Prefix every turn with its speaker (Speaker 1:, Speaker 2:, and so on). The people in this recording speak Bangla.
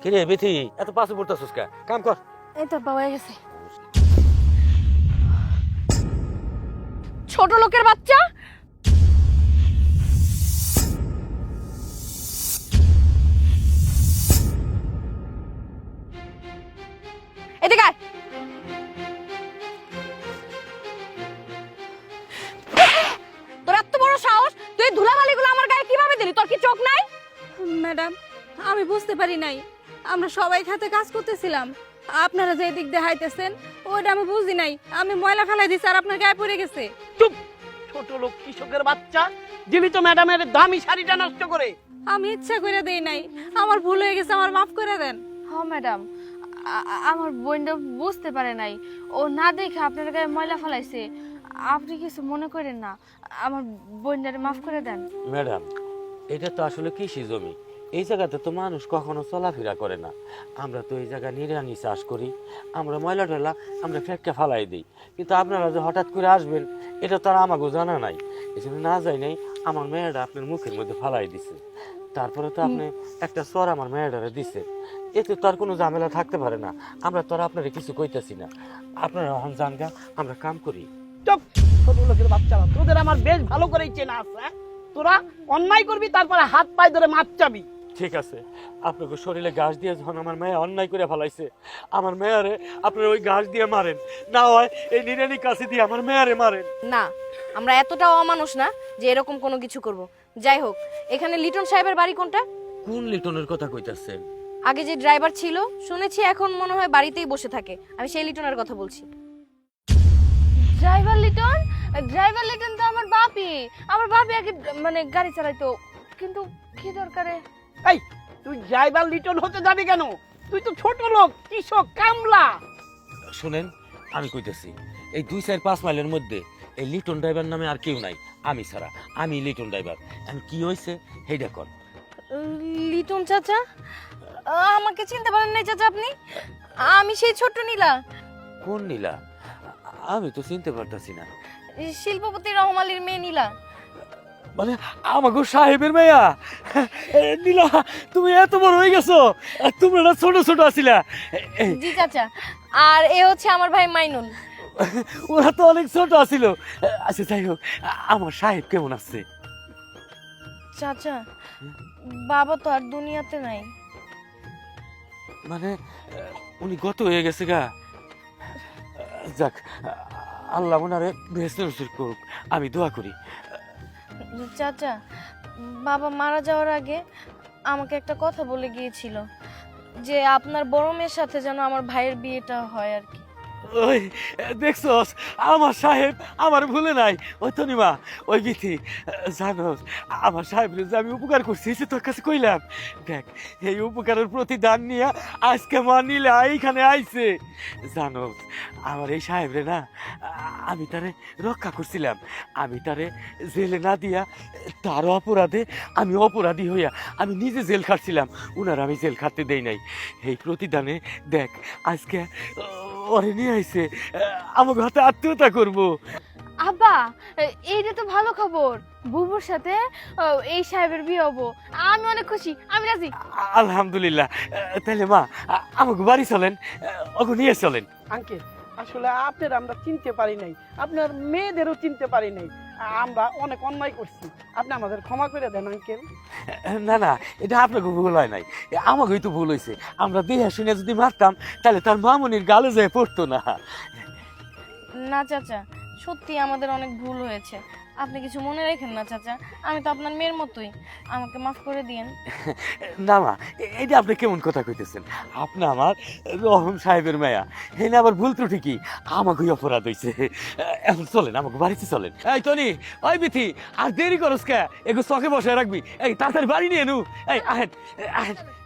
Speaker 1: কিরে বিথি এত পাশে পড়তেছিস কা কাম কর।
Speaker 2: এই তো বাবা গেছে। ছোট লোকের বাচ্চা, এদিকে আয়। তোর এত বড় সাহস, তুই ধুলাবালিগুলো আমার গায়ে কিভাবে দিলি? তোর কি চোখ নাই?
Speaker 3: ম্যাডাম, আমি বুঝতে পারি নাই, আমরা সবাই খাতে কাজ করতেছিলাম, আপনারা যে দিক দিয়ে হাইতেছেন ওইটা আমি বুঝি নাই, আমি ময়লা ফেলাই দিছি আর আপনার গায়ে পড়ে গেছে।
Speaker 4: চুপ! ছোট লোক কৃষকের বাচ্চা, যিনি তো ম্যাডামের দামি শাড়িটা নষ্ট করে।
Speaker 3: আমি ইচ্ছা করে দেই নাই, আমার ভুল হয়ে গেছে, আমার মাফ করে দেন।
Speaker 2: হ্যাঁ ম্যাডাম, আমার বোনটা বুঝতে পারে নাই, ও না দেখে আপনার গায়ে ময়লা ফেলাইছে। আপনি কিছু মনে করেন না, আমার বোনটারে মাফ করে দেন।
Speaker 1: ম্যাডাম, এটা তো আসলে কৃষি জমি, এই জায়গাতে তো মানুষ কখনো চলাফেরা করে না। আমরা তো এই জায়গায় নিরানি চাষ করি, আমরা ময়লা টয়লা আমরা ফেঁকে ফালাই দিই, কিন্তু আপনারা যে হঠাৎ করে আসবেন এটা তো আর আমাকেও জানা নাই। এই জন্য না যাই নাই আমার মেয়েটা আপনার মুখের মধ্যে ফালাই দিছে, তারপরে তো আপনি একটা চর আমার মেয়েটারে দিছে, এতে তো আর কোনো ঝামেলা থাকতে পারে না। আমরা তো আর আপনারা কিছু কইতেছি না, আপনারা এখন জানগা, আমরা কাম করি।
Speaker 4: চুপ! ছোট লোকের বাচ্চারা, তোদের আমার বেশ ভালো করেই চেনা আছে। হ্যাঁ? তোরা অন্যায় করবি, তারপরে হাত পায়ে ধরে মাপ চাবি।
Speaker 1: ঠিক আছে, আপনাকে শরীরে ঘাস দিয়ে যখন আমার মেয়ে অন্যায় করে ফেলাইছে, আমার মেয়ারে আপনার ওই ঘাস দিয়ে মারেন, না হয় এই নিরানি কাছে দিয়ে আমার মেয়ারে মারেন।
Speaker 2: না, আমরা এতটাও অমানুষ না যে এরকম কোনো কিছু করব। যাই হোক, এখানে লিটন সাহেবের বাড়ি কোনটা?
Speaker 1: কোন লিটনের কথা কইতাছেন?
Speaker 2: আগে যে ড্রাইভার ছিল শুনেছি এখন মনে হয় বাড়িতেই বসে থাকে, আমি সেই লিটনের কথা বলছি। ড্রাইভার লিটন? ড্রাইভার লিটন তো আমার বাপি আগে মানে গাড়ি চালাইতো, কিন্তু কি দরকারে?
Speaker 4: এই, তুই ড্রাইভার লিটন হতে যাবি কেন? তুই তো ছোট লোক, কৃষক, কামলা।
Speaker 1: শুনেন, আমি কইতেছি, এই 2-4-5 মাইলের মধ্যে এই লিটন ড্রাইভার নামে আর কেউ নাই, আমি ছাড়া। আমি লিটন ড্রাইভার। আমি কি হয়েছে সেইটা কর।
Speaker 2: লিটন চাচা? আমাকে চিনতে পারেন নাই চাচা আপনি? আমি সেই ছোট্ট নীলা।
Speaker 1: কোন নীলা? আমি তো চিনতে পারতাছি না।
Speaker 2: শিল্পপতি রহম আলীর মেয়ে নীলা।
Speaker 1: মানে আমাকে সাহেবের মেয়া? নীলা, তুমি এত বড় হয়ে গেছো, তোমরা না ছোট ছোট আছিলা।
Speaker 2: জি চাচা, আর এ হচ্ছে আমার ভাই মাইনুল।
Speaker 1: ওরা তো অনেক ছোট আছিল। আচ্ছা যাই হোক, আমার সাহেব কেমন আছে?
Speaker 2: চাচা, বাবা তো আর দুনিয়াতে নাই।
Speaker 1: মানে উনি গত হয়ে গেছে গা। যাক, আল্লাহ ওনারে বেহেশত নসিব করুক, আমি দোয়া করি।
Speaker 2: চাচা, বাবা মারা যাওয়ার আগে আমাকে একটা কথা বলে গিয়েছিল যে আপনার বড় মেয়ের সাথে যেন আমার ভাইয়ের বিয়েটা হয় আর কি।
Speaker 1: ওই দেখছস, আমার সাহেব আমার ভুলে নাই। ওই তনিমা, ওই বিথি, জানোস আমার সাহেবের যে আমি উপকার করছি সে তোর কাছে কইলাম। দেখ, এই উপকারের প্রতিদান নিয়ে আজকে মা নীলা এইখানে আইছে। জানোস আমার এই সাহেবরে না, আমি তারে রক্ষা করছিলাম, আমি তারে জেলে না দিয়া তার অপরাধে আমি অপরাধী হইয়া আমি নিজে জেল খাটছিলাম, উনার আমি জেল খাটতে দেই নাই। এই প্রতিদানে দেখ আজকে ওরে নিয়ে আইছে, আমাকে হাতে আত্মীয়তা করবো।
Speaker 2: আব্বা, এইটা তো ভালো খবর, বুবুর সাথে এই সাহেবের বিয়ে হবো। আমি অনেক খুশি, আমি রাজি।
Speaker 1: আলহামদুলিল্লাহ। তাহলে মা, আমাকে বাড়ি চলেন, ওকে নিয়ে চলেন।
Speaker 4: আঙ্কেল, আসলে আপনার আমরা চিনতে পারি নাই, আপনার মেয়েদেরও চিনতে পারি নাই, আমরা অনেক অন্যায় করছি, আপনি আমাদের ক্ষমা করে দেন আঙ্কেল।
Speaker 1: না না, এটা আপনাকে ভুল হয় নাই, আমাকেই তো ভুল হয়েছে। আমরা দেহা শুনে যদি মারতাম তাহলে তার মামনির গালে যায় পড়তো না।
Speaker 2: না চাচা, সত্যি আমাদের অনেক ভুল হয়েছে, আপনি কিছু মনে রাখেন না চাচা, আমি তো আপনার মেয়ের মতোই, আমাকে মাফ করে দিয়েন।
Speaker 1: না মা, এটা আপনি কেমন কথা কইতেছেন? আপনি আমার রহম সাহেবের মায়া, এনে আবার ভুল ত্রুটি কি? আমাকেই অপরাধ হয়েছে। এখন চলেন, আমাকে বাড়িতে চলেন। এই টনি, ওই বিথি, আর দেরি করস কে? এগো চকে বসে রাখবি, এই তাড়াতাড়ি বাড়ি নিয়ে নু। এই আহেন আহেন।